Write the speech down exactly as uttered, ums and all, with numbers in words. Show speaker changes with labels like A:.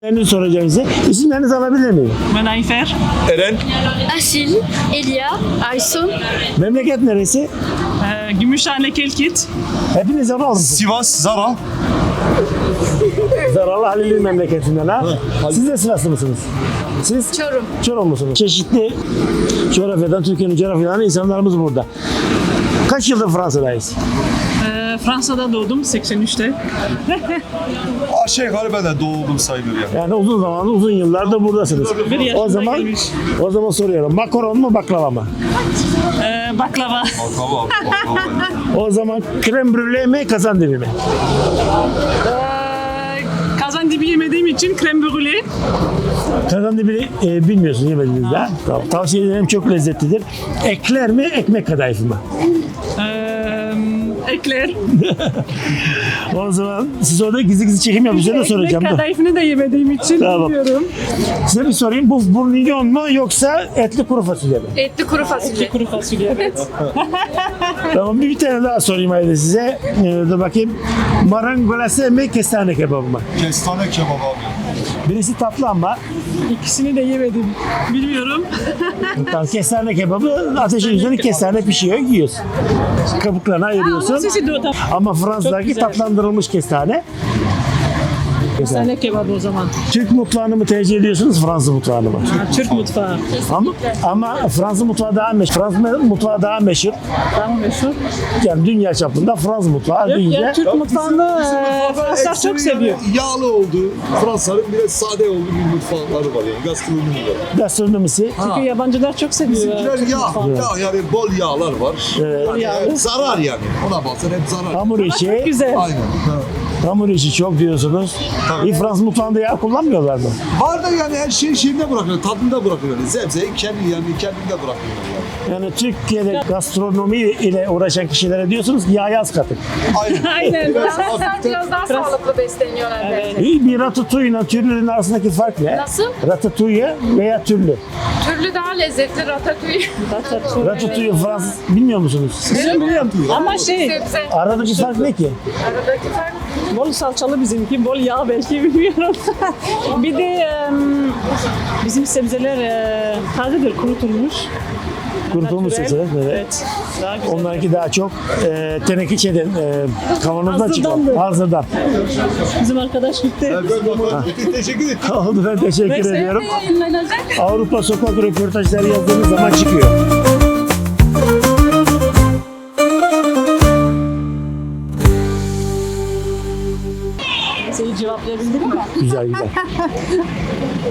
A: İsimlerini soracağım size. İsimlerinizi alabilir miyim?
B: Ben Ayfer.
C: Eren.
D: Asil, Elia, Aysun.
A: Memleket neresi?
B: Ee, Gümüşhane Kelkit.
A: Hepiniz ama alın.
C: Sivas. Zara.
A: Zaralı Halil'in memleketinden ha. Siz de Sivaslı mısınız? Siz?
D: Çorum.
A: Çorum musunuz? Çeşitli coğrafyadan, Türkiye'nin coğrafyadan insanlarımız burada. Kaç yıldır Fransa'dayız?
B: Ee, Fransa'da doğdum seksen üçte.
C: Aşağı yukarı ben de doğdum sayılır yani.
A: Yani uzun zaman, uzun yıllardır buradasınız.
B: Bir yaşına
A: O zaman,
B: gelmiş.
A: o zaman soruyorum. Makaron mu, baklava mı?
B: Ee, baklava.
C: Baklava. Baklava.
A: O zaman krem brûlée mi, kazandibi mi?
B: Ee, kazandibi yemediğim için krem brûlée.
A: Kazandibi e, bilmiyorsun, yemediniz de. Tamam. Tavsiye ederim, çok lezzetlidir. Ekler mi, ekmek kadayıfı mı?
B: Ee, ekler.
A: O zaman siz orada gizli gizli çekim yapıyorsunuz da soracağım.
B: Ekmek
A: Dur.
B: kadayıfını da yemediğim için
A: Tamam.
B: bilmiyorum.
A: Size bir sorayım. Bu bourguignon mu yoksa etli kuru fasulye mi?
D: Etli kuru fasulye.
B: Kuru fasulye evet.
A: Tamam, bir, bir tane daha sorayım haydi size. Ee, dur bakayım. Marangolase mi, kestane kebabı mı?
C: Kestane kebabı abi.
A: Birisi tatlı ama
B: İkisini de yemedim. Bilmiyorum.
A: tamam, kestane kebabı ateşin üzerine kestane pişiyor, yiyorsun. Kabuklarını ayırıyorsun.
B: Sesi de o da.
A: Ama Fransa'daki
B: güzel.
A: tatlandırılmış kestane. Kestane.
B: Kestane kebabı o zaman.
A: Türk mutfağını mı tercih ediyorsunuz, Fransız mutfağını mı?
B: Ha, Türk mutfağı.
A: Ama, ama Fransız mutfağı daha meşhur. Fransız mutfağı daha meşhur.
B: Daha meşhur.
A: Yani dünya çapında Fransız mutfağı
B: Yok
A: deyince
B: ya Türk mutfağını e, Fransızlar çok seviyor.
C: Yağlı oldu. Fransa'nın biraz sade olduğu bir mutfakları var yani. Gastronomi var.
A: gastronomisi.
B: Çünkü yabancılar çok seviyor.
C: Bizimkiler
B: Türk
C: yağ.
B: mutfağını.
C: Yağ yani bol yağlar var.
A: Evet.
C: Yani
B: Yağlı.
C: hep zarar yani. Ona baksan hep zarar.
A: Hamur işi,
B: Güzel.
C: Aynen. Ha.
A: hamur işi çok diyorsunuz.
C: Tabii.
A: İyi, Fransız mutfağında yağ kullanmıyorlar mı?
C: Var da yani her şeyi şeyinde bırakıyor. Tadında bırakıyor. Yani. Sebzeyi kendi yani kendinde bırakıyor yani.
A: Yani Türkiye'de gastronomi ile uğraşan kişilere diyorsunuz ki yağı az katın.
C: Aynen.
B: Aynen.
C: Biraz
D: Fransızlar
C: hafiften-
D: biraz daha sağlıklı besleniyorlar bence.
A: İyi, bir ratatouille ile türlünün arasındaki fark ne?
D: Nasıl?
A: Ratatouille veya türlü.
D: Türlü daha lezzetli ratatouille.
A: Ratatouille Fransız bilmiyor musunuz?
B: Biliyorum biliyorum. Ama şey
D: Sebze.
A: Aradaki fark ne ki?
D: Aradaki fark
B: bol salçalı bizimki, bol yağ belki bilmiyorum. Bir de em, bizim sebzeler e, tazedir, kurutulmuş.
A: Kurutulmuş
B: Natürel.
A: sebzeler, evet.
B: Evet. Daha güzel.
A: Onlarınki daha çok e, teneke şeyden, e, kavanozdan çıkan.
B: Hazırdandı.
A: Hazırdan.
B: Bizim arkadaş gitti.
C: Ben bakalım. Teşekkür ederim.
A: Oldu, ben teşekkür
B: Neyse,
A: ediyorum.
B: yayınlanacak.
A: Avrupa sokak röportajları yazdığınız zaman çıkıyor.
B: Seni cevaplayabildin mi?
A: Güzel güzel.